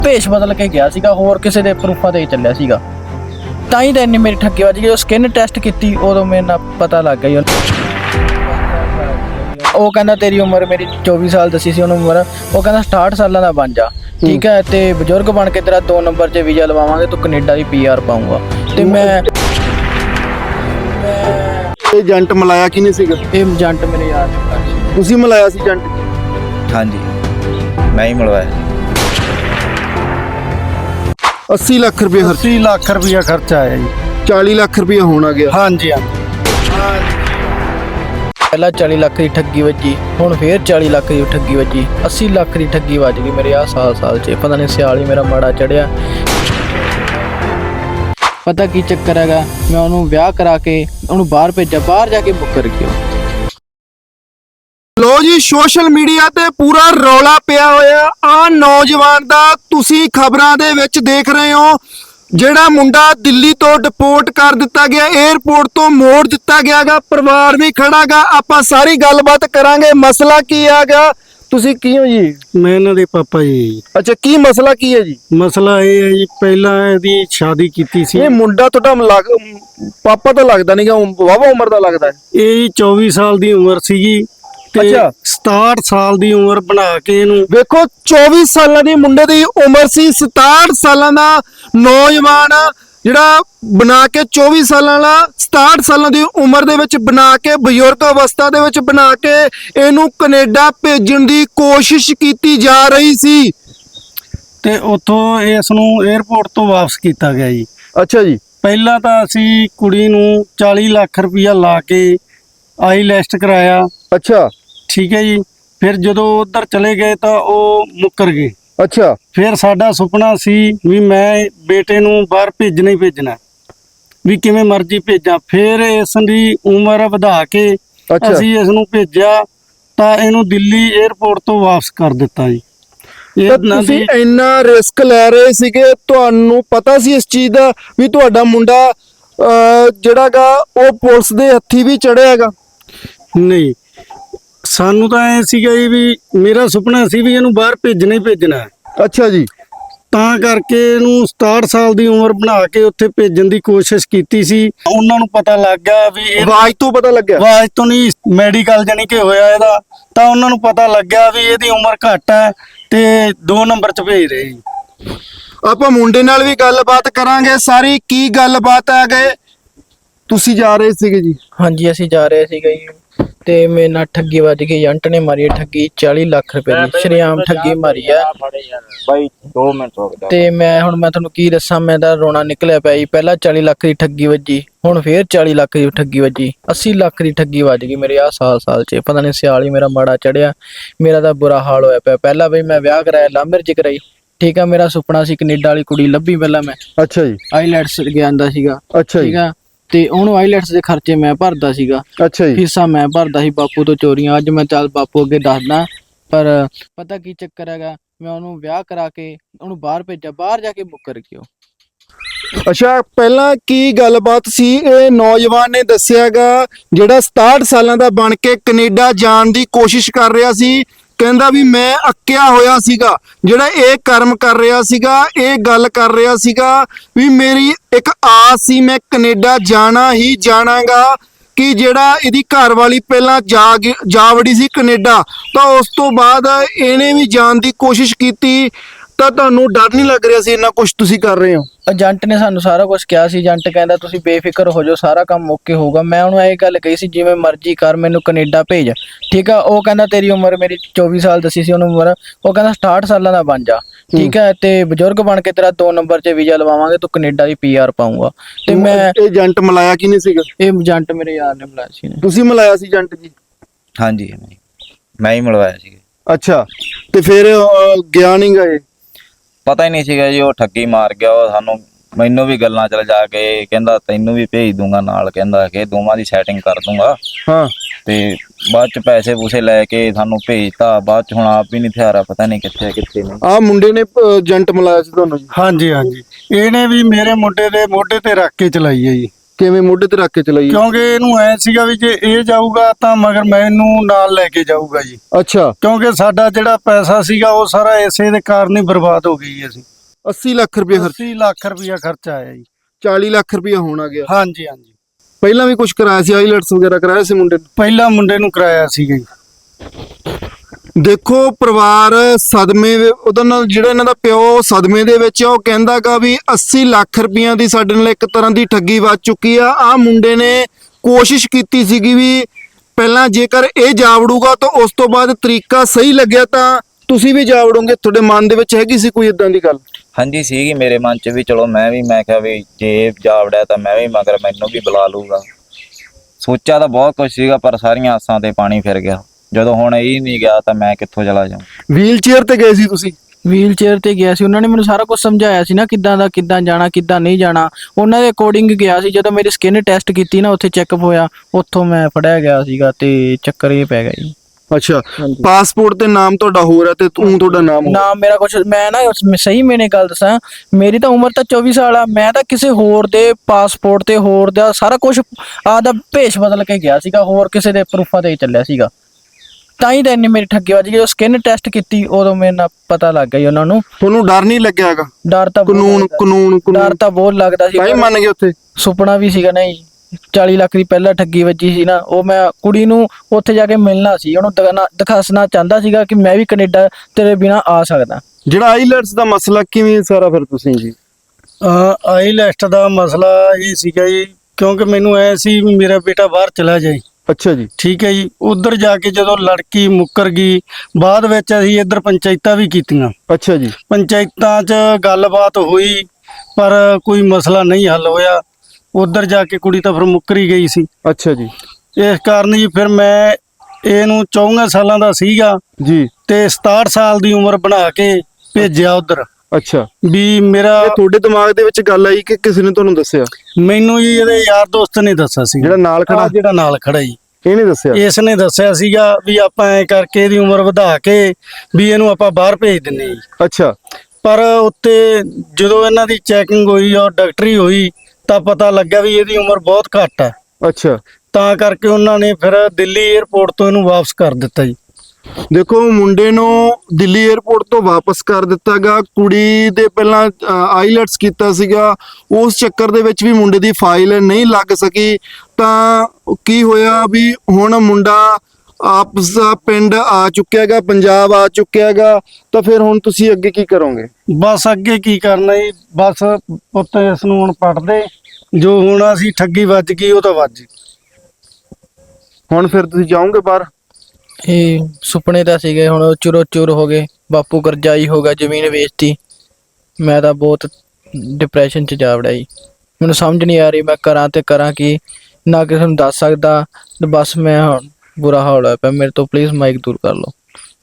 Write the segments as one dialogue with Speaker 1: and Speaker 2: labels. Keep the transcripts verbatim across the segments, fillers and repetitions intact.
Speaker 1: ਭੇਸ਼ ਬਦਲ ਕੇ ਗਿਆ ਸੀਗਾ, ਹੋਰ ਕਿਸੇ ਦੇ ਪ੍ਰੂਫਾਂ ਤੇ ਚੱਲਿਆ ਸੀਗਾ। ਤਾਂ ਹੀ ਤਾਂ ਇੰਨੀ ਮੇਰੀ ਠੱਗੀ ਵੱਜ ਗਈ। ਜਦੋਂ ਸਕਿਨ ਟੈਸਟ ਕੀਤੀ ਉਦੋਂ ਮੇਰੇ ਨਾਲ ਪਤਾ ਲੱਗ ਗਿਆ। ਉਹ ਕਹਿੰਦਾ ਤੇਰੀ ਉਮਰ, ਮੇਰੀ ਚੌਵੀ ਸਾਲ ਦੱਸੀ ਸੀ ਉਹਨੂੰ ਉਮਰ, ਉਹ ਕਹਿੰਦਾ ਸਤਾਹਠ ਸਾਲਾਂ ਦਾ ਬਣ ਜਾ, ਠੀਕ ਹੈ, ਤੇ ਬਜ਼ੁਰਗ ਬਣ ਕੇ ਤੇਰਾ ਦੋ ਨੰਬਰ 'ਚ ਵੀਜ਼ਾ ਲਵਾਵਾਂਗੇ, ਤੂੰ ਕੈਨੇਡਾ ਦੀ ਪੀ ਆਰ ਪਾਊਂਗਾ। ਤੇ ਮੈਂ
Speaker 2: ਇਹ ਏਜੰਟ ਮਿਲਾਇਆ ਕਿਹਨੇ ਸੀਗਾ?
Speaker 1: ਇਹ ਏਜੰਟ ਮੇਰੇ ਯਾਰ ਨੇ।
Speaker 2: ਤੁਸੀਂ ਮਿਲਾਇਆ ਸੀ ਏਜੰਟ?
Speaker 3: ਹਾਂਜੀ, ਮੈਂ ਹੀ ਮਿਲਵਾਇਆ।
Speaker 2: अस्सी ਲੱਖ ਰੁਪਏ ਖਰਚ,
Speaker 4: अस्सी ਲੱਖ ਰੁਪਇਆ ਖਰਚਾ ਆਇਆ ਜੀ।
Speaker 2: ਚਾਲੀ ਲੱਖ ਰੁਪਏ ਹੋਣਾ ਗਿਆ।
Speaker 4: ਹਾਂਜੀ ਹਾਂਜੀ।
Speaker 1: ਪਹਿਲਾਂ ਚਾਲੀ ਲੱਖ ਦੀ ਠੱਗੀ ਵੱਜੀ, ਹੁਣ ਫੇਰ ਚਾਲੀ ਲੱਖ ਦੀ ਠੱਗੀ ਵੱਜੀ, ਅੱਸੀ ਲੱਖ ਦੀ ਠੱਗੀ ਵੱਜ ਗਈ ਮੇਰੇ ਆਹ ਸਾਲ ਸਾਲ 'ਚ। ਪਤਾ ਨਹੀਂ ਸਿਆਲ ਹੀ ਮੇਰਾ ਮਾੜਾ ਚੜਿਆ। ਪਤਾ ਕੀ ਚੱਕਰ ਹੈਗਾ, ਮੈਂ ਉਹਨੂੰ ਵਿਆਹ ਕਰਾ ਕੇ ਉਹਨੂੰ ਬਾਹਰ ਭੇਜਿਆ, ਬਾਹਰ ਜਾ ਕੇ ਬੁੱਕ ਕਰ ਗਿਆ।
Speaker 2: ਲੋ ਜੀ, ਸੋਸ਼ਲ ਮੀਡੀਆ ਤੇ ਪੂਰਾ ਰੌਲਾ ਪਿਆ ਹੋਇਆ ਆ ਨੌਜਵਾਨ ਦਾ। ਤੁਸੀਂ ਖਬਰਾਂ ਦੇ ਵਿੱਚ ਦੇਖ ਰਹੇ ਹੋ, ਜਿਹੜਾ ਮੁੰਡਾ ਦਿੱਲੀ ਤੋਂ ਡਿਪੋਰਟ ਕਰ ਦਿੱਤਾ ਗਿਆ, 에ਅਰਪੋਰਟ ਤੋਂ ਮੋੜ ਦਿੱਤਾ ਗਿਆਗਾ, ਪਰਿਵਾਰ ਵੀ ਖੜਾਗਾ। ਆਪਾਂ ਸਾਰੀ ਗੱਲਬਾਤ ਕਰਾਂਗੇ। ਮਸਲਾ ਕੀ ਆਗਾ? ਤੁਸੀਂ ਕੀ ਹੋ ਜੀ?
Speaker 4: ਮੈਂ ਇਹਨਾਂ ਦੇ ਪਾਪਾ ਜੀ।
Speaker 2: ਅੱਛਾ, ਕੀ ਮਸਲਾ ਕੀ ਹੈ ਜੀ?
Speaker 4: ਮਸਲਾ ਇਹ ਹੈ ਜੀ, ਪਹਿਲਾਂ ਇਹਦੀ ਸ਼ਾਦੀ ਕੀਤੀ ਸੀ।
Speaker 2: ਇਹ ਮੁੰਡਾ ਤੁਹਾਡਾ ਲੱਗ ਪਾਪਾ ਤਾਂ ਲੱਗਦਾ ਨਹੀਂਗਾ, ਵਾਵਾ ਉਮਰ ਦਾ ਲੱਗਦਾ ਹੈ।
Speaker 4: ਇਹ ਚੌਵੀ ਸਾਲ ਦੀ ਉਮਰ ਸੀਗੀ ਤੇ
Speaker 2: ਅੱਛਾ।
Speaker 4: ਸਤਾਹਠ ਸਾਲ ਦੀ ਉਮਰ ਬਣਾ ਕੇ ਇਹਨੂੰ,
Speaker 2: ਵੇਖੋ ਚੌਵੀ ਸਾਲਾਂ ਦੀ ਮੁੰਡੇ ਦੀ ਉਮਰ ਸੀ, ਸਤਾਹਠ ਸਾਲਾਂ ਦਾ ਨੌਜਵਾਨ ਜਿਹੜਾ ਬਣਾ ਕੇ ਚੌਵੀ ਸਾਲਾਂ ਦਾ ਸਤਾਹਠ ਸਾਲਾਂ ਦੀ ਉਮਰ ਦੇ ਵਿੱਚ ਬਣਾ ਕੇ, ਬਜ਼ੁਰਗ ਅਵਸਥਾ ਦੇ ਵਿੱਚ ਬਣਾ ਕੇ ਇਹਨੂੰ ਕੈਨੇਡਾ ਭੇਜਣ ਦੀ ਕੋਸ਼ਿਸ਼ ਕੀਤੀ ਜਾ ਰਹੀ ਸੀ
Speaker 4: ਤੇ ਉੱਥੋਂ ਇਸ ਨੂੰ 에ਅਰਪੋਰਟ ਤੋਂ ਵਾਪਸ ਕੀਤਾ ਗਿਆ ਜੀ।
Speaker 2: ਅੱਛਾ ਜੀ।
Speaker 4: ਪਹਿਲਾਂ ਤਾਂ ਅਸੀਂ ਕੁੜੀ ਨੂੰ ਚਾਲੀ ਲੱਖ ਰੁਪਇਆ ਲਾ ਕੇ ਆਈਲੈਸਟ ਕਰਾਇਆ।
Speaker 2: ਅੱਛਾ
Speaker 4: ਠੀਕ ਹੈ ਜੀ। ਫਿਰ ਜਦੋਂ ਉਧਰ ਚਲੇ ਗਏ ਤਾਂ ਉਹ ਮੁੱਕਰ ਗਏ।
Speaker 2: ਅੱਛਾ।
Speaker 4: ਫਿਰ ਸਾਡਾ ਸੁਪਨਾ ਸੀ ਵੀ ਮੈਂ ਬੇਟੇ ਨੂੰ ਬਾਹਰ ਭੇਜਣਾ ਹੀ ਭੇਜਣਾ, ਵੀ ਕਿਵੇਂ ਮਰਜ਼ੀ ਭੇਜਾਂ। ਫਿਰ ਇਸ ਦੀ ਉਮਰ ਵਧਾ ਕੇ
Speaker 2: ਅੱਛਾ।
Speaker 4: ਅਸੀਂ ਇਸ ਨੂੰ ਭੇਜਿਆ ਤਾਂ ਇਹਨੂੰ ਦਿੱਲੀ 에ਅਰਪੋਰਟ ਤੋਂ ਵਾਪਸ ਕਰ ਦਿੱਤਾ ਜੀ।
Speaker 2: ਤਾਂ
Speaker 4: ਇਹਨਾਂ
Speaker 2: ਤੁਸੀਂ
Speaker 4: ਦੀ
Speaker 2: ਇੰਨਾ ਰਿਸਕ ਲੈ ਰਹੇ ਸੀਗੇ, ਤੁਹਾਨੂੰ ਪਤਾ ਸੀ ਇਸ ਚੀਜ਼ ਦਾ ਵੀ ਤੁਹਾਡਾ ਮੁੰਡਾ ਅਹ, ਜਿਹੜਾਗਾ ਉਹ ਪੁਲਿਸ ਦੇ ਹੱਥੀ ਵੀ ਚੜਿਆਗਾ?
Speaker 4: ਨਹੀਂ, ਸਾਨੂੰ ਤਾਂ ਐ ਸੀਗਾ ਜੀ ਵੀ ਮੇਰਾ ਸੁਪਨਾ ਸੀ ਵੀ ਇਹਨੂੰ ਬਾਹਰ ਭੇਜਣਾ ਹੀ ਭੇਜਣਾ।
Speaker 2: ਅੱਛਾ ਜੀ।
Speaker 4: ਤਾਂ ਕਰਕੇ ਇਹਨੂੰ ਸਤਾਹਠ ਸਾਲ ਦੀ ਉਮਰ ਬਣਾ ਕੇ ਉੱਥੇ ਭੇਜਣ ਦੀ ਕੋਸ਼ਿਸ਼ ਕੀਤੀ ਸੀ। ਉਹਨਾਂ ਨੂੰ ਪਤਾ ਲੱਗ ਗਿਆ ਵੀ ਇਹ
Speaker 2: ਆਵਾਜ਼ ਤੋਂ ਪਤਾ ਲੱਗਿਆ?
Speaker 4: ਆਵਾਜ਼ ਤੋਂ ਨਹੀਂ, ਮੈਡੀਕਲ ਜਾਨੀ ਕਿ ਹੋਇਆ ਇਹਦਾ, ਤਾਂ ਉਹਨਾਂ ਨੂੰ ਪਤਾ ਲੱਗਿਆ ਵੀ ਇਹਦੀ ਉਮਰ ਘੱਟ ਹੈ ਤੇ ਦੋ ਨੰਬਰ 'ਚ ਭੇਜ ਰਹੇ ਜੀ।
Speaker 2: ਆਪਾਂ ਮੁੰਡੇ ਨਾਲ ਵੀ ਗੱਲਬਾਤ ਕਰਾਂਗੇ ਸਾਰੀ, ਕੀ ਗੱਲਬਾਤ ਆ ਗਏ। ਤੁਸੀਂ ਜਾ ਰਹੇ ਸੀਗੇ ਜੀ?
Speaker 1: ਹਾਂਜੀ, ਅਸੀਂ ਜਾ ਰਹੇ ਸੀਗੇ ਜੀ, ਤੇ ਮੇਰੇ ਨਾਲ ਠੱਗੀ ਵੱਜ ਗਈ। ਏਜੰਟ ਨੇ ਮਾਰੀ ਠੱਗੀ, ਚਾਲੀ ਲੱਖ ਰੁਪਏ ਦੀ ਸ਼ਰੇਆਮ ਠੱਗੀ ਮਾਰੀ ਆ
Speaker 3: ਬਾਈ ਦੋ ਮਿੰਟ ਰੁਕ ਜਾ।
Speaker 1: ਤੇ ਮੈਂ ਹੁਣ ਮੈਂ ਤੁਹਾਨੂੰ ਕੀ ਦੱਸਾਂ, ਮੈਂ ਤਾਂ ਰੋਣਾ ਨਿਕਲਿਆ ਪਿਆ ਜੀ। ਪਹਿਲਾਂ ਚਾਲੀ ਲੱਖ ਦੀ ਠੱਗੀ ਵੱਜੀ, ਹੁਣ ਫੇਰ ਚਾਲੀ ਲੱਖ ਦੀ ਠੱਗੀ ਵੱਜੀ, ਅੱਸੀ ਲੱਖ ਦੀ ਠੱਗੀ ਵੱਜ ਗਈ ਮੇਰੇ ਆਹ ਸਾਲ ਸਾਲ 'ਚ। ਪਤਾ ਨਹੀਂ ਸਿਆਲ ਹੀ ਮੇਰਾ ਮਾੜਾ ਚੜਿਆ। ਮੇਰਾ ਤਾਂ ਬੁਰਾ ਹਾਲ ਹੋਇਆ ਪਿਆ। ਪਹਿਲਾਂ ਬਈ ਮੈਂ ਵਿਆਹ ਕਰਾਇਆ, ਲਵ ਮੈਰਿਜ ਕਰਾਈ, ਠੀਕ ਆ। ਮੇਰਾ ਸੁਪਨਾ ਸੀ ਕੈਨੇਡਾ ਵਾਲੀ ਕੁੜੀ ਲੱਭੀ ਪਹਿਲਾਂ ਮੈਂ।
Speaker 2: ਅੱਛਾ ਜੀ।
Speaker 1: ਆਈਲੈਟਸ ਗਿਆ ਆਂਦਾ ਸੀਗਾ,
Speaker 2: ਅੱਛਾ ਜੀ।
Speaker 1: ਠੀਕ ਆ। ਤੇ ਉਹਨੂੰ ਆਈਲੈਟਸ ਦੇ ਖਰਚੇ ਮੈਂ ਭਰਦਾ ਸੀਗਾ,
Speaker 2: ਅੱਛਾ ਜੀ।
Speaker 1: ਫੀਸਾਂ ਮੈਂ ਭਰਦਾ ਸੀ ਬਾਪੂ ਤੋਂ ਚੋਰੀਆਂ। ਅੱਜ ਮੈਂ ਚੱਲ ਬਾਪੂ ਅੱਗੇ ਦੱਸਦਾ, ਪਰ ਪਤਾ ਕੀ ਚੱਕਰ ਹੈਗਾ, ਮੈਂ ਉਹਨੂੰ ਵਿਆਹ ਕਰਾ ਕੇ ਉਹਨੂੰ ਬਾਹਰ ਭੇਜਿਆ, ਬਾਹਰ ਜਾ ਕੇ ਮੁੱਕਰ ਗਿਆ।
Speaker 2: ਅੱਛਾ, ਪਹਿਲਾਂ ਕੀ ਗੱਲਬਾਤ ਸੀ? ਇਹ ਨੌਜਵਾਨ ਨੇ ਦੱਸਿਆਗਾ ਜਿਹੜਾ ਸਤਾਹਠ ਸਾਲਾਂ ਦਾ ਬਣ ਕੇ ਕੈਨੇਡਾ ਜਾਣ ਦੀ ਕੋਸ਼ਿਸ਼ ਕਰ ਰਿਹਾ ਸੀ, ਕਹਿੰਦਾ ਵੀ ਮੈਂ ਅੱਕਿਆ ਹੋਇਆ ਸੀਗਾ, ਜਿਹੜਾ ਇਹ ਕਰਮ ਕਰ ਰਿਹਾ ਸੀਗਾ, ਇਹ ਗੱਲ ਕਰ ਰਿਹਾ ਸੀਗਾ ਵੀ ਮੇਰੀ ਇੱਕ ਆਸ ਸੀ, ਮੈਂ ਕੈਨੇਡਾ ਜਾਣਾ ਹੀ ਜਾਣਾਗਾ। ਕਿ ਜਿਹੜਾ ਇਹਦੀ ਘਰ ਵਾਲੀ ਪਹਿਲਾਂ ਜਾ ਜਾ ਵੜੀ ਸੀ ਕੈਨੇਡਾ, ਤਾਂ ਉਸ ਤੋਂ ਬਾਅਦ ਇਹਨੇ ਵੀ ਜਾਣ ਦੀ ਕੋਸ਼ਿਸ਼ ਕੀਤੀ। ਤਾਂ ਤੁਹਾਨੂੰ ਡਰ ਨਹੀਂ ਲੱਗ ਰਿਹਾ ਸੀ ਇੰਨਾ ਕੁਝ ਤੁਸੀਂ ਕਰ ਰਹੇ ਹੋ?
Speaker 1: ਏਜੰਟ ਨੇ ਸਾਨੂੰ ਸਾਰਾ ਕੁਝ ਕਿਹਾ ਸੀ। ਏਜੰਟ ਕਹਿੰਦਾ ਤੁਸੀਂ ਬੇਫਿਕਰ ਹੋ ਜਾਓ, ਸਾਰਾ ਕੰਮ ਓਕੇ ਹੋਊਗਾ। ਮੈਂ ਉਹਨੂੰ ਇਹ ਗੱਲ ਕਹੀ ਸੀ ਜਿਵੇਂ ਮਰਜ਼ੀ ਕਰ, ਮੈਨੂੰ ਕੈਨੇਡਾ ਭੇਜ, ਠੀਕ ਆ। ਉਹ ਕਹਿੰਦਾ ਤੇਰੀ ਉਮਰ, ਮੇਰੀ ਚੌਵੀ ਸਾਲ ਦੱਸੀ ਸੀ ਉਹਨੂੰ ਉਮਰ, ਉਹ ਕਹਿੰਦਾ ਸਤਾਹਠ ਸਾਲਾਂ ਦਾ ਬਣ ਜਾ, ਠੀਕ ਹੈ, ਤੇ ਬਜ਼ੁਰਗ ਬਣ ਕੇ ਤੇਰਾ ਦੋ ਨੰਬਰ 'ਚ ਵੀਜ਼ਾ ਲਵਾਵਾਂਗੇ, ਤੂੰ ਕੈਨੇਡਾ ਦੀ ਪੀ ਆਰ ਪਾਊਂਗਾ। ਤੇ ਮੈਂ
Speaker 2: ਏਜੰਟ ਮਿਲਾਇਆ ਕਿਹਨੇ ਸੀਗਾ?
Speaker 1: ਇਹ ਏਜੰਟ ਮੇਰੇ ਯਾਰ ਨੇ ਮਿਲਾਇਆ ਸੀ।
Speaker 2: ਤੁਸੀਂ ਮਿਲਾਇਆ ਸੀ ਏਜੰਟ ਜੀ?
Speaker 3: ਹਾਂਜੀ, ਮੈਂ ਹੀ ਮਿਲਵਾਇਆ ਸੀ।
Speaker 2: ਅੱਛਾ, ਤੇ ਫਿਰ ਗਿਆ ਨਹੀਂ ਗਏ?
Speaker 3: ਪਤਾ ਹੀ ਨਹੀਂ ਸੀਗਾ ਜੀ, ਉਹ ਠੱਗੀ ਮਾਰ ਗਿਆ। ਉਹ ਸਾਨੂੰ, ਮੈਨੂੰ ਵੀ ਗੱਲਾਂ ਚਲ ਜਾ ਕੇ ਕਹਿੰਦਾ ਤੈਨੂੰ ਵੀ ਭੇਜ ਦੂੰਗਾ ਨਾਲ, ਕਹਿੰਦਾ ਕਿ ਦੋਵਾਂ ਦੀ ਸੈਟਿੰਗ ਕਰ ਦੂੰਗਾ।
Speaker 2: ਹਾਂ।
Speaker 3: ਤੇ ਬਾਅਦ ਚ ਪੈਸੇ ਪੂਸੇ ਲੈ ਕੇ ਸਾਨੂੰ ਭੇਜਤਾ। ਬਾਅਦ ਚ ਹੁਣ ਆਪ ਵੀ ਨਹੀਂ ਥਿਆਰਾ, ਪਤਾ ਨਹੀਂ ਕਿੱਥੇ ਕਿੱਥੇ ਨਹੀਂ।
Speaker 2: ਆਹ ਮੁੰਡੇ ਨੇ ਏਜੰਟ ਮਿਲਾਇਆ ਸੀ ਤੁਹਾਨੂੰ ਜੀ?
Speaker 4: ਹਾਂਜੀ ਹਾਂਜੀ। ਇਹਨੇ ਵੀ ਮੇਰੇ ਮੁੰਡੇ ਦੇ ਮੋਢੇ ਤੇ ਰੱਖ ਕੇ ਚਲਾਈ ਹੈ ਜੀ।
Speaker 2: ਕਿਵੇਂ ਮੋਢੇ ਤੇ ਰੱਖ ਕੇ ਚਲਾਈ?
Speaker 4: ਕਿਉਂਕਿ ਇਹਨੂੰ ਐ ਸੀਗਾ ਵੀ ਜੇ ਇਹ ਜਾਊਗਾ ਤਾਂ ਮਗਰ ਮੈਨੂੰ ਨਾਲ ਲੈ ਕੇ ਜਾਊਗਾ ਜੀ।
Speaker 2: ਅੱਛਾ।
Speaker 4: ਕਿਉਂਕਿ ਸਾਡਾ ਜਿਹੜਾ ਪੈਸਾ ਸੀਗਾ ਉਹ ਸਾਰਾ ਇਸੇ ਦੇ ਕਾਰਨ ਹੀ ਬਰਬਾਦ ਹੋ ਗਈ ਅਸੀਂ।
Speaker 2: ਅੱਸੀ ਲੱਖ ਰੁਪਏ ਖਰਚ
Speaker 4: ਅੱਸੀ ਲੱਖ ਰੁਪਇਆ ਖਰਚਾ ਆਇਆ ਜੀ।
Speaker 2: ਚਾਲੀ ਲੱਖ ਰੁਪਏ ਹੋਣਾ ਗਿਆ।
Speaker 4: ਹਾਂਜੀ ਹਾਂਜੀ,
Speaker 2: ਪਹਿਲਾਂ ਵੀ ਕੁਝ ਕਰਾਇਆ ਸੀ, ਆਈਲੈਟਸ ਵਗੈਰਾ ਕਰਾਇਆ ਸੀ ਮੁੰਡੇ ਨੇ?
Speaker 4: ਪਹਿਲਾਂ ਮੁੰਡੇ ਨੂੰ ਕਰਾਇਆ ਸੀਗਾ ਜੀ।
Speaker 2: ਦੇਖੋ ਪਰਿਵਾਰ ਸਦਮੇ ਦੇ- ਉਹਦਾ ਨਾਲ ਜਿਹੜਾ ਇਹਨਾਂ ਦਾ ਪਿਓ ਸਦਮੇ ਦੇ ਵਿੱਚ ਆ। ਉਹ ਕਹਿੰਦਾਗਾ ਵੀ ਅੱਸੀ ਲੱਖ ਰੁਪਈਆਂ ਦੀ ਸਾਡੇ ਨਾਲ ਇੱਕ ਤਰ੍ਹਾਂ ਦੀ ਠੱਗੀ ਵੱਜ ਚੁੱਕੀ ਆ। ਆ ਮੁੰਡੇ ਨੇ ਕੋਸ਼ਿਸ਼ ਕੀਤੀ ਸੀਗੀ ਵੀ ਪਹਿਲਾਂ ਜੇਕਰ ਇਹ ਜਾਵੜੂਗਾ ਤਾਂ ਉਸ ਤੋਂ ਬਾਅਦ ਤਰੀਕਾ ਸਹੀ ਲੱਗਿਆ ਤਾਂ ਤੁਸੀਂ ਵੀ ਜਾਵੜੋਗੇ। ਤੁਹਾਡੇ ਮਨ ਦੇ ਵਿੱਚ ਹੈਗੀ ਸੀ ਕੋਈ ਇਦਾਂ ਦੀ ਗੱਲ?
Speaker 3: ਹਾਂਜੀ ਸੀਗੀ ਮੇਰੇ ਮਨ 'ਚ ਵੀ, ਚਲੋ ਮੈਂ ਵੀ ਮੈਂ ਕਿਹਾ ਵੀ ਜੇ ਜਾਵੜਿਆ ਤਾਂ ਮੈਂ ਵੀ, ਮਗਰ ਮੈਨੂੰ ਵੀ ਬੁਲਾ ਲੂਗਾ। ਸੋਚਿਆ ਤਾਂ ਬਹੁਤ ਕੁਝ ਸੀਗਾ, ਪਰ ਸਾਰੀਆਂ ਆਸਾਂ ਤੇ ਪਾਣੀ ਫਿਰ ਗਿਆ। ਜਦੋਂ ਹੁਣ ਇਹ ਨਹੀਂ ਗਿਆ ਤਾਂ ਮੈਂ ਕਿੱਥੋਂ ਚਲਾ ਜਾਵਾਂ।
Speaker 2: ਵੀਲ ਚੇਅਰ ਤੇ ਗਏ ਸੀ ਤੁਸੀਂ?
Speaker 1: ਵੀਲ ਚੇਅਰ ਤੇ ਗਿਆ ਸੀ, ਉਹਨਾਂ ਨੇ ਮੈਨੂੰ ਸਾਰਾ ਕੁਝ ਸਮਝਾਇਆ ਸੀ ਨਾ, ਕਿੱਦਾਂ ਦਾ ਕਿੱਦਾਂ ਜਾਣਾ ਕਿੱਦਾਂ ਨਹੀਂ ਜਾਣਾ। ਉਹਨਾਂ ਦੇ ਅਕੋਰਡਿੰਗ ਗਿਆ ਸੀ। ਜਦੋਂ ਮੇਰੀ ਸਕਿਨ ਟੈਸਟ ਕੀਤੀ ਨਾ, ਉੱਥੇ ਚੈੱਕਅਪ ਹੋਇਆ, ਉੱਥੋਂ ਮੈਂ ਫੜਿਆ ਗਿਆ ਸੀਗਾ ਤੇ ਚੱਕਰ ਇਹ ਪੈ ਗਿਆ ਜੀ।
Speaker 2: ਅੱਛਾ, ਪਾਸਪੋਰਟ ਤੇ ਨਾਮ ਤੁਹਾਡਾ ਹੋਰ ਹੈ ਤੇ ਤੂੰ ਤੁਹਾਡਾ ਨਾਮ ਹੋਰ?
Speaker 1: ਨਾ ਮੇਰਾ ਕੁਛ, ਮੈਂ ਨਾ ਉਸ- ਸਹੀ ਮੈਨੇ ਗੱਲ ਦੱਸਾਂ, ਮੇਰੀ ਤਾਂ ਉਮਰ ਤਾਂ ਚੌਵੀ ਸਾਲ ਆ। ਮੈਂ ਤਾਂ ਕਿਸੇ ਹੋਰ ਦੇ ਪਾਸਪੋਰਟ ਤੇ ਹੋਰ ਦਾ ਸਾਰਾ ਕੁਝ ਆਪਦਾ ਭੇਸ਼ ਬਦਲ ਕੇ ਗਿਆ ਸੀਗਾ, ਹੋਰ ਕਿਸੇ ਦੇ ਪ੍ਰੂਫਾਂ ਤੇ ਹੀ ਚੱਲਿਆ ਸੀਗਾ। ਤਾਂ ਹੀ ਤਾਂ ਇੰਨੀ ਮੇਰੀ ਠੱਗੀ ਵੱਜ ਗਈ। ਜਦੋਂ ਸਕਿਨ ਟੈਸਟ ਕੀਤੀ ਉਦੋਂ ਮੇਰੇ ਨਾਲ ਪਤਾ ਲੱਗ ਗਿਆ ਜੀ ਉਹਨਾਂ ਨੂੰ।
Speaker 2: ਤੁਹਾਨੂੰ ਡਰ ਨਹੀਂ ਲੱਗਿਆਗਾ?
Speaker 1: ਡਰ ਤਾਂ ਬਹੁਤ
Speaker 2: ਕਾਨੂੰਨ
Speaker 1: ਲੱਗਦਾ-
Speaker 2: ਕਾਨੂੰਨ
Speaker 1: ਡਰ
Speaker 2: ਕਾਨੂੰਨ
Speaker 1: ਤਾਂ ਬਹੁਤ ਲੱਗਦਾ ਸੀ।
Speaker 2: ਭਾਈ ਮੰਨ ਗਏ ਉੱਥੇ?
Speaker 1: ਸੁਪਨਾ ਵੀ ਸੀਗਾ ਨਹੀਂ, ਚਾਲੀ ਲੱਖ ਦੀ ਪਹਿਲਾਂ ਠੱਗੀ ਵੱਜੀ ਸੀ ਨਾ, ਉਹ ਮੈਂ ਕੁੜੀ ਨੂੰ ਉੱਥੇ ਜਾ ਕੇ ਮਿਲਣਾ ਸੀ, ਉਹਨੂੰ ਦਿਖਾਣਾ ਦਿਖਾਸਣਾ ਚਾਹੁੰਦਾ ਸੀਗਾ ਕਿ ਮੈਂ ਵੀ ਕੈਨੇਡਾ ਤੇਰੇ ਬਿਨਾ ਆ ਸਕਦਾ।
Speaker 2: ਜਿਹੜਾ ਆਈਲੈਟਸ ਦਾ ਮਸਲਾ ਕਿਵੇਂ ਸਾਰਾ ਫਿਰ ਤੁਸੀਂ ਜੀ?
Speaker 4: ਆਈਲੈਸਟ ਦਾ ਮਸਲਾ ਇਹ ਸੀਗਾ ਜੀ, ਕਿਉਂਕਿ ਮੈਨੂੰ ਐ ਸੀ ਵੀ ਮੇਰਾ ਬੇਟਾ ਬਾਹਰ ਚਲਾ ਜਾਏ।
Speaker 2: ਅੱਛਾ ਜੀ।
Speaker 4: ਠੀਕ ਹੈ ਜੀ। ਉਧਰ ਜਾ ਕੇ ਜਦੋਂ ਲੜਕੀ ਮੁੱਕਰ ਗਈ, ਬਾਅਦ ਵਿੱਚ ਅਸੀਂ ਇੱਧਰ ਪੰਚਾਇਤਾਂ ਵੀ ਕੀਤੀਆਂ।
Speaker 2: ਅੱਛਾ ਜੀ।
Speaker 4: ਪੰਚਾਇਤਾਂ 'ਚ ਗੱਲਬਾਤ ਹੋਈ, ਪਰ ਕੋਈ ਮਸਲਾ ਨਹੀਂ ਹੱਲ ਹੋਇਆ। ਉਧਰ ਜਾ ਕੇ ਕੁੜੀ ਤਾਂ ਫਿਰ ਮੁੱਕਰ ਹੀ ਗਈ ਸੀ।
Speaker 2: ਅੱਛਾ ਜੀ।
Speaker 4: ਇਸ ਕਾਰਨ ਜੀ ਫਿਰ ਮੈਂ ਇਹਨੂੰ ਚੌਦਾਂ ਸਾਲਾਂ ਦਾ ਸੀਗਾ
Speaker 2: ਜੀ।
Speaker 4: ਤੇ ਸਤਾਹਠ ਸਾਲ ਦੀ ਉਮਰ ਬਣਾ ਕੇ ਭੇਜਿਆ ਉਧਰ,
Speaker 2: ਅੱਛਾ,
Speaker 4: ਵੀ ਮੇਰਾ
Speaker 2: ਇਹ ਤੁਹਾਡੇ ਦਿਮਾਗ ਦੇ ਵਿੱਚ ਗੱਲ ਆਈ ਕਿ ਕਿਸੇ ਨੇ ਤੁਹਾਨੂੰ ਦੱਸਿਆ?
Speaker 4: ਮੈਨੂੰ ਜੀ ਇਹਦੇ ਯਾਰ ਦੋਸਤ ਨੇ ਦੱਸਿਆ ਸੀ,
Speaker 2: ਜਿਹੜਾ ਨਾਲ ਖੜਾ?
Speaker 4: ਜਿਹੜਾ ਨਾਲ ਖੜਾ ਜੀ,
Speaker 2: ਇਹਨੇ ਦੱਸਿਆ?
Speaker 4: ਇਸ ਨੇ ਦੱਸਿਆ ਸੀਗਾ ਵੀ ਆਪਾਂ ਐ ਕਰਕੇ ਇਹਦੀ ਉਮਰ ਵਧਾ ਕੇ ਵੀ ਇਹਨੂੰ ਆਪਾਂ ਬਾਹਰ ਭੇਜ ਦਿੰਨੇ ਜੀ।
Speaker 2: ਅੱਛਾ।
Speaker 4: ਪਰ ਉੱਤੇ ਜਦੋਂ ਇਹਨਾਂ ਦੀ ਚੈਕਿੰਗ ਹੋਈ ਔਰ ਡਾਕਟਰੀ ਹੋਈ ਤਾਂ ਪਤਾ ਲੱਗਾ ਵੀ ਇਹਦੀ ਉਮਰ ਬਹੁਤ ਘੱਟ ਹੈ।
Speaker 2: ਅੱਛਾ।
Speaker 4: ਤਾਂ ਕਰਕੇ ਉਹਨਾਂ ਨੇ ਫਿਰ ਦਿੱਲੀ 에ਅਰਪੋਰਟ ਤੋਂ ਇਹਨੂੰ ਵਾਪਸ ਕਰ ਦਿੱਤਾ ਜੀ।
Speaker 2: ਦੇਖੋ ਮੁੰਡੇ ਨੂੰ ਦਿੱਲੀ 에ਅਰਪੋਰਟ ਤੋਂ ਵਾਪਸ ਕਰ ਦਿੱਤਾਗਾ। ਕੁੜੀ ਦੇ ਪਹਿਲਾਂ ਆਈਲੈਟਸ ਕੀਤਾ ਸੀਗਾ, ਉਸ ਚੱਕਰ ਦੇ ਵਿੱਚ ਵੀ ਮੁੰਡੇ ਦੀ ਫਾਈਲ ਨਹੀਂ ਲੱਗ ਸਕੀ। ਤਾਂ ਕੀ ਹੋਇਆ ਵੀ ਹੁਣ ਮੁੰਡਾ ਆਪਸ ਦਾ ਪਿੰਡ ਆ ਚੁੱਕਿਆ ਹੈਗਾ, ਪੰਜਾਬ ਆ ਚੁੱਕਿਆ ਹੈਗਾ। ਤਾਂ ਫਿਰ ਹੁਣ ਤੁਸੀਂ ਅੱਗੇ ਕੀ ਕਰੋਗੇ?
Speaker 4: ਬਸ ਅੱਗੇ ਕੀ ਕਰਨਾ ਜੀ, ਬਸ ਪੁੱਤ ਇਸ ਨੂੰ ਹੁਣ ਪੜਦੇ, ਜੋ ਹੁਣ ਅਸੀਂ ਠੱਗੀ ਵੱਜ ਗਈ ਉਹ ਤਾਂ ਵੱਜ ਗਈ।
Speaker 2: ਹੁਣ ਫਿਰ ਤੁਸੀਂ ਜਾਓਗੇ ਬਾਹਰ?
Speaker 1: ਇਹ ਸੁਪਨੇ ਤਾਂ ਸੀਗੇ, ਹੁਣ ਉਹ ਚੁਰੋ ਚੁਰ ਹੋ ਗਏ। ਬਾਪੂ ਕਰਜ਼ਾਈ ਹੋ ਗਿਆ, ਜ਼ਮੀਨ ਵੇਚਤੀ। ਮੈਂ ਤਾਂ ਬਹੁਤ ਡਿਪਰੈਸ਼ਨ 'ਚ ਜਾ ਵੜਿਆ ਜੀ। ਮੈਨੂੰ ਸਮਝ ਨਹੀਂ ਆ ਰਹੀ ਮੈਂ ਕਰਾਂ ਤੇ ਕਰਾਂ ਕੀ, ਨਾ ਕਿਸੇ ਨੂੰ ਦੱਸ ਸਕਦਾ। ਤੇ ਬਸ ਮੈਂ ਹੁਣ ਬੁਰਾ ਹਾਲ ਹੋਇਆ ਪਿਆ ਮੇਰੇ ਤੋਂ, ਪਲੀਜ਼ ਮਾਈਕ ਦੂਰ ਕਰ ਲਓ।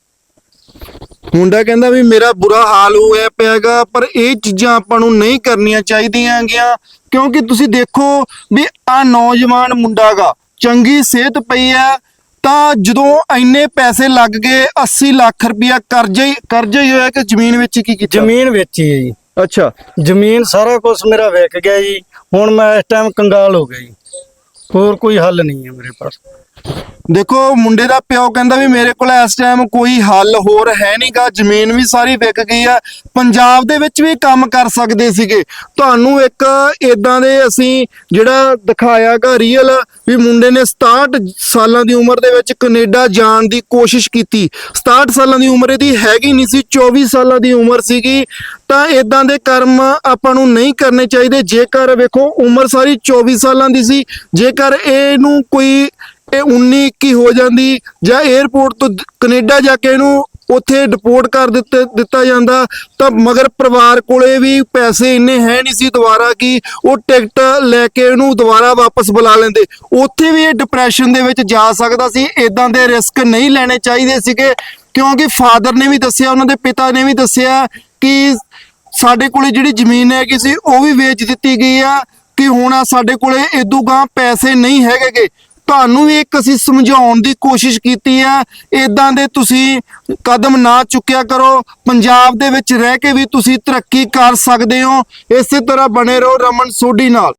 Speaker 2: ਮੁੰਡਾ ਕਹਿੰਦਾ ਵੀ ਮੇਰਾ ਬੁਰਾ ਹਾਲ ਹੋਇਆ ਪਿਆਗਾ, ਪਰ ਇਹ ਚੀਜ਼ਾਂ ਆਪਾਂ ਨੂੰ ਨਹੀਂ ਕਰਨੀਆਂ ਚਾਹੀਦੀਆਂ ਗੀਆਂ। ਕਿਉਂਕਿ ਤੁਸੀਂ ਦੇਖੋ ਵੀ ਆ ਨੌਜਵਾਨ ਮੁੰਡਾ ਗਾ, ਚੰਗੀ ਸਿਹਤ ਪਈ ਹੈ, ਤਾਂ ਜਦੋਂ ਇੰਨੇ ਪੈਸੇ ਲੱਗ ਗਏ, ਅੱਸੀ ਲੱਖ ਰੁਪਇਆ ਕਰਜ਼ਾ ਹੀ ਕਰਜ਼ਾ ਹੀ ਹੋਇਆ ਕਿ ਜ਼ਮੀਨ ਵਿੱਚ ਕੀ ਕੀਤਾ?
Speaker 4: ਜ਼ਮੀਨ ਵੇਚੀ ਹੈ ਜੀ।
Speaker 2: ਅੱਛਾ।
Speaker 4: ਜ਼ਮੀਨ ਸਾਰਾ ਕੁਝ ਮੇਰਾ ਵਿਕ ਗਿਆ ਜੀ। ਹੁਣ ਮੈਂ ਇਸ ਟਾਈਮ ਕੰਗਾਲ ਹੋ ਗਿਆ ਜੀ, ਹੋਰ ਕੋਈ ਹੱਲ ਨਹੀਂ ਹੈ ਮੇਰੇ ਪਾਸ।
Speaker 2: ਦੇਖੋ ਮੁੰਡੇ ਦਾ ਪਿਓ ਕਹਿੰਦਾ ਵੀ ਮੇਰੇ ਕੋਲ ਇਸ ਟਾਈਮ ਕੋਈ ਹੱਲ ਹੋਰ ਹੈ ਨਹੀਂਗਾ, ਜ਼ਮੀਨ ਵੀ ਸਾਰੀ ਵਿਕ ਗਈ ਆ, ਪੰਜਾਬ ਦੇ ਵਿੱਚ ਵੀ ਕੰਮ ਕਰ ਸਕਦੇ ਸੀਗੇ। ਤੁਹਾਨੂੰ ਇੱਕ ਇਦਾਂ ਦੇ ਅਸੀਂ ਜਿਹੜਾ ਦਿਖਾਇਆਗਾ ਰੀਅਲ ਵੀ ਮੁੰਡੇ ਨੇ ਸਤਾਹਠ ਸਾਲਾਂ ਦੀ ਉਮਰ ਦੇ ਵਿੱਚ ਕੈਨੇਡਾ ਜਾਣ ਦੀ ਕੋਸ਼ਿਸ਼ ਕੀਤੀ। ਸਤਾਹਠ ਸਾਲਾਂ ਦੀ ਉਮਰ ਇਹਦੀ ਹੈਗੀ ਨਹੀਂ ਸੀ, ਚੌਵੀ ਸਾਲਾਂ ਦੀ ਉਮਰ ਸੀਗੀ। ਤਾਂ ਇਦਾਂ ਦੇ ਕਰਮ ਆਪਾਂ ਨੂੰ ਨਹੀਂ ਕਰਨੇ ਚਾਹੀਦੇ। ਜੇਕਰ ਵੇਖੋ ਉਮਰ ਸਾਰੀ ਚੌਵੀ ਸਾਲਾਂ ਦੀ ਸੀ, ਜੇਕਰ ਇਹਨੂੰ ਕੋਈ ਇਹ ਉੱਨੀ ਇੱਕੀ ਹੋ ਜਾਂਦੀ ਜਾਂ 에ਅਰਪੋਰਟ ਤੋਂ ਕੈਨੇਡਾ ਜਾ ਕੇ ਇਹਨੂੰ ਉੱਥੇ ਡਿਪੋਰਟ ਕਰ ਦਿੱਤੇ ਦਿੱਤਾ ਜਾਂਦਾ, ਤਾਂ ਮਗਰ ਪਰਿਵਾਰ ਕੋਲੇ ਵੀ ਪੈਸੇ ਇੰਨੇ ਹੈ ਨਹੀਂ ਸੀ ਦੁਬਾਰਾ ਕਿ ਉਹ ਟਿਕਟ ਲੈ ਕੇ ਇਹਨੂੰ ਦੁਬਾਰਾ ਵਾਪਸ ਬੁਲਾ ਲੈਂਦੇ। ਉੱਥੇ ਵੀ ਇਹ ਡਿਪਰੈਸ਼ਨ ਦੇ ਵਿੱਚ ਜਾ ਸਕਦਾ ਸੀ। ਇਦਾਂ ਦੇ ਰਿਸਕ ਨਹੀਂ ਲੈਣੇ ਚਾਹੀਦੇ ਸੀਗੇ, ਕਿਉਂਕਿ ਫਾਦਰ ਨੇ ਵੀ ਦੱਸਿਆ, ਉਹਨਾਂ ਦੇ ਪਿਤਾ ਨੇ ਵੀ ਦੱਸਿਆ ਕਿ ਸਾਡੇ ਕੋਲੇ ਜਿਹੜੀ ਜ਼ਮੀਨ ਹੈਗੀ ਸੀ ਉਹ ਵੀ ਵੇਚ ਦਿੱਤੀ ਗਈ ਆ, ਕਿ ਹੁਣ ਸਾਡੇ ਕੋਲੇ ਇਦੋਂ ਗਾਂ ਪੈਸੇ ਨਹੀਂ ਹੈਗੇ। ਤੁਹਾਨੂੰ ਵੀ ਇੱਕ ਅਸੀਂ ਸਮਝਾਉਣ ਦੀ ਕੋਸ਼ਿਸ਼ ਕੀਤੀ ਆ, ਇਦਾਂ ਦੇ ਤੁਸੀਂ ਕਦਮ ਨਾ ਚੁੱਕਿਆ ਕਰੋ। ਪੰਜਾਬ ਦੇ ਵਿੱਚ ਰਹਿ ਕੇ ਵੀ ਤੁਸੀਂ ਤਰੱਕੀ ਕਰ ਸਕਦੇ ਹੋ। ਇਸੇ ਤਰ੍ਹਾਂ ਬਣੇ ਰਹੋ ਰਮਨ ਸੋਢੀ ਨਾਲ।